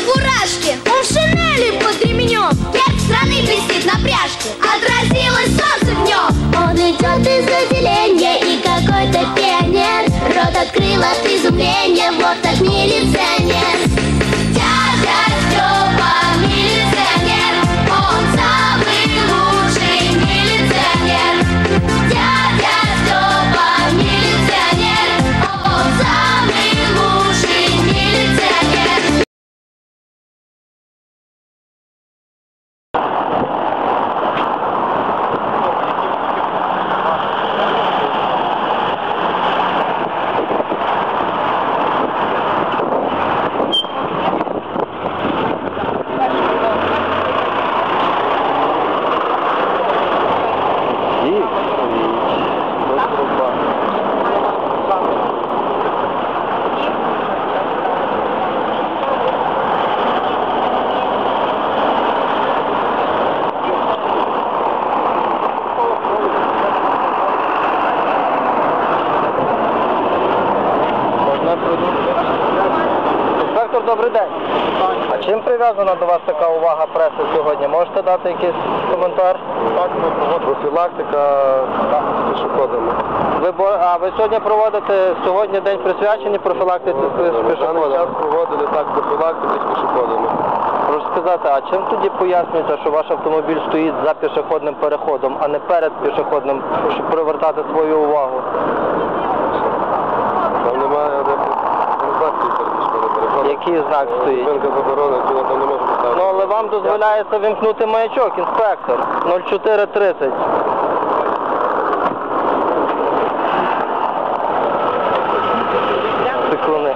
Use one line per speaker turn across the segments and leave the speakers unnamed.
фуражке, он в шинели под ременем. Герб страны блестит на пряжке, отразилось солнце днем. Он идет из отделения, и какой-то пионер рот открыл от изумления, вот так милиционер. Дядя Степа милиционер, он самый лучший милиционер. Дядя Степа милиционер, он самый лучший милиционер.
Інспектор, добрий день. А чим прив'язана до вас така увага преси сьогодні? Можете дати якийсь коментар?
Так, ми проводимо профілактика з пішоходами.
Ви сьогодні проводите, сьогодні день присвячений профілактиці з
На даний час
пішоходами?
проводили так профілактику з пішоходами.
Прошу сказати, а чим тоді пояснюється, що ваш автомобіль стоїть за пішохідним переходом, а не перед пішохідним, щоб привертати свою увагу?
Там немає організації перед пішоходним переходом.
Який знак стоїть?
Зупинка заборонена, який там не може поставити.
Ну, але вам дозволяється вимкнути маячок, інспектор. 0430. Секунди.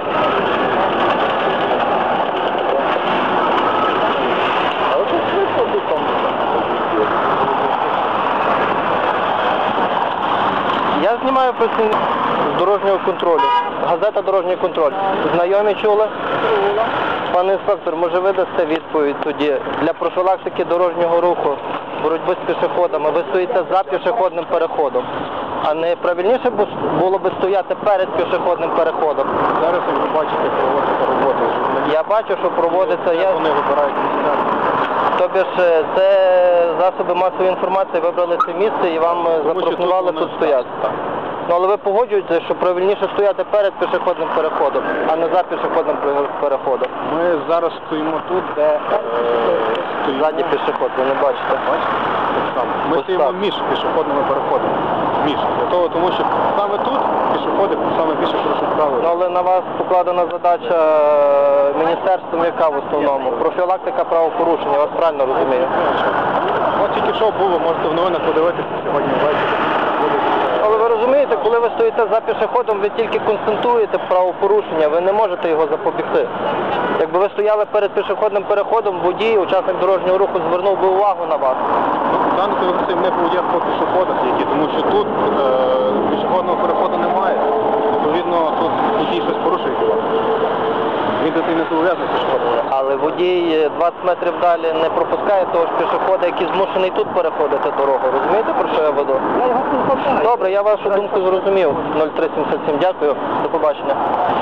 Я знімаю працівників з дорожнього контролю. Газета «Дорожній контроль». Знайомі чули? Пане інспектор, може ви дасте відповідь тоді? Для профілактики дорожнього руху, боротьби з пішоходами, ви стоїте за пішохідним переходом. А не правильніше було б стояти перед пішохідним переходом?
Зараз, як ви бачите, проводиться робота.
Я бачу, що проводиться...
Вони вибирають місця.
Тобі ж це засоби масової інформації вибрали це місце і вам запропонували тут стояти?
Так.
Ну, але ви погоджуєтеся, що правильніше стояти перед пішохідним переходом, а не за пішохідним переходом?
Ми зараз стоїмо тут, де стоїмо...
Ззаді пішохід, ви не бачите?
Бачите? Так само. Ми
Ось
стоїмо
так.
між пішохідними переходами. Між. Для того, тому що саме тут пішоходи саме більше порушують правила.
Ну, але на вас покладена задача міністерством яка в основному? Профілактика правопорушення, я вас правильно розумію?
От тільки що було, можете в новинах подивитися сьогодні ввечері.
Але ви розумієте, коли ви стоїте за пішоходом, ви тільки концентруєте правопорушення, ви не можете його запобігти. Якби ви стояли перед пішохідним переходом, водій, учасник дорожнього руху звернув би увагу на вас.
В даному випадку не є по пішоходах, тому що тут пішохідного переходу немає. Відповідно, тут водій щось порушує. Він до цього не зобов'язаний пішоходом.
Але водій 20 метрів далі не пропускає того ж пішохода, який змушений тут переходити дорогу. Розумієте, про що я веду? Добре, я вашу думку зрозумів. 0377, дякую. До побачення.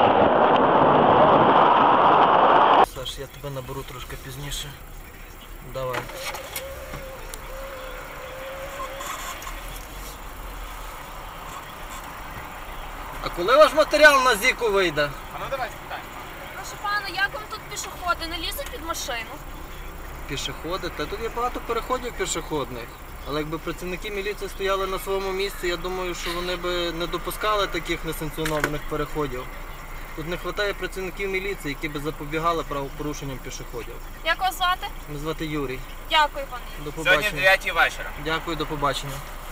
Саш, я тебе наберу трошки пізніше. Давай. А коли ваш матеріал на ЗІКу вийде?
А ну давай спитай.
Прошу пана, як вам тут пішоходи? Не лізуть під машину?
Пішоходи? Та тут є багато переходів пішохідних. Але якби працівники міліції стояли на своєму місці, я думаю, що вони би не допускали таких несанкціонованих переходів. Тут не вистачає працівників міліції, які би запобігали правопорушенням пішоходів.
Як вас звати?
Мене звати Юрій.
Дякую, пане.
До побачення.
Сьогодні 9 вечора.
Дякую, до побачення.